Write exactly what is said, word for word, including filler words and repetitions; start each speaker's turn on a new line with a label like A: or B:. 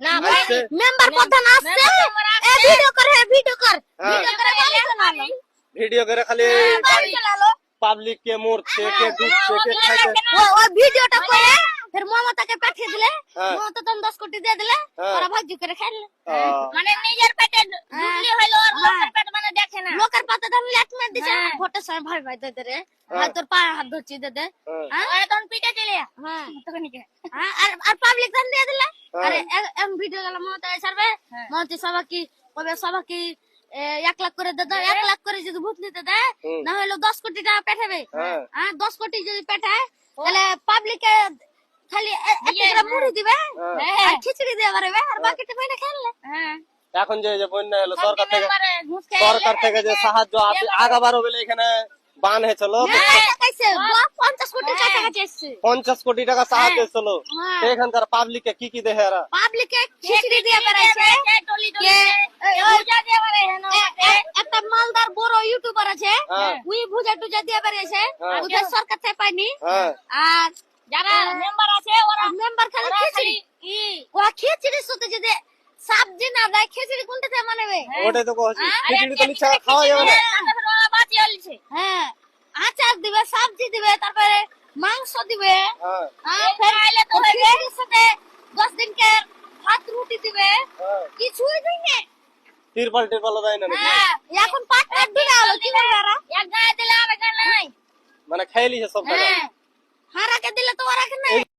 A: না ভাই
B: মেম্বার প্রধান আসছে এ ভিডিও করে ভিডিও কর ভিডিও করে গালি শোনালো
C: ভিডিও করে খালি
B: গালি শোনালো
C: পাবলিক কে মরছে কে ডুবছে কে খাইছে
B: ও ওই ভিডিওটা করে फिर মমতাকে পাঠিয়ে দিলে মমতা তো দশ কোটি দিয়ে দিলে ওরা ভাজি করে খাইলে
A: মানে নিজের পেটে ঢুকলি হইলো আর লোকের পেট মানে দেখে না
B: লোকের পাতে দাম লেট মে দিছে ভোটের সময় ভাই ভাই দে দে রে ভাই তোর পা হাত ধরছি দে দে
A: হ্যাঁ এখন পিটে চলে
B: হ্যাঁ
A: তখন কি
B: হ্যাঁ আর আর পাবলিক দাম দিয়ে দিলে আরে এম ভিডিও গেল মমতা ছাড়বে মমতা সবা কি কবে সবা কি এক লাখ করে দে দাও এক লাখ করে যদি ভোট নিতে দেয় না হলো দশ কোটি টাকা পাঠাবে হ্যাঁ দশ কোটি যদি পাঠায় তাহলে পাবলিকে খালি একটা মুড়ি দিবে আর খিচুড়ি দিয়ে পারবে আর বাকিটা কইনা খেললে
A: হ্যাঁ
C: এখন যে যে বন্যা হলো সরকার থেকে সরকার থেকে যে সাহায্য আগাবারও বলে এখানে বান হয়েছিল
B: কইছে পঞ্চাশ কোটি টাকা চাইছে
C: পঞ্চাশ কোটি টাকা সাহায্য ছিল এখানকার পাবলিককে কি কি দেহে এরা
B: পাবলিকে খিচুড়ি দিয়ে বেড়াইছে
A: টলি টলি ভুজা দিয়ে পারে
B: একটা মালদার বড় ইউটিউবার আছে উই ভুজা টুজা দিয়ে বেড়াইছে ওদের সরকার থেকে পাইনি আর
A: যারা মেম্বার আছে ওরা
B: মেম্বার খালি খিচুড়ি ই ও খিচুড়ি সাথে যদি সবজি না দেয় খিচুড়ি কোনটা দিয়ে বানাবে
C: ওটাই তো কইছি খিচুড়ি তো নিচে খাওয়া যাবে না
A: বাতি হলছে
B: হ্যাঁ আচার দিবে সবজি দিবে তারপরে মাংস দিবে
C: হ্যাঁ
B: হ্যাঁ ফের আইলে তো খিচুড়ির সাথে দশ দিন কে ভাত রুটি দিবে কিছুই দিবে
C: তিরপাল টিরপাল দেয় না
B: হ্যাঁ এখন পাট কাট দিলে আলো কি করবে ওরা
A: এক গায়ে দিলে আর গায়ে নাই
C: মানে খাইলিছে সব টাকা
B: হ্যাঁ হারাকে দিলে তো ওরা কি নাই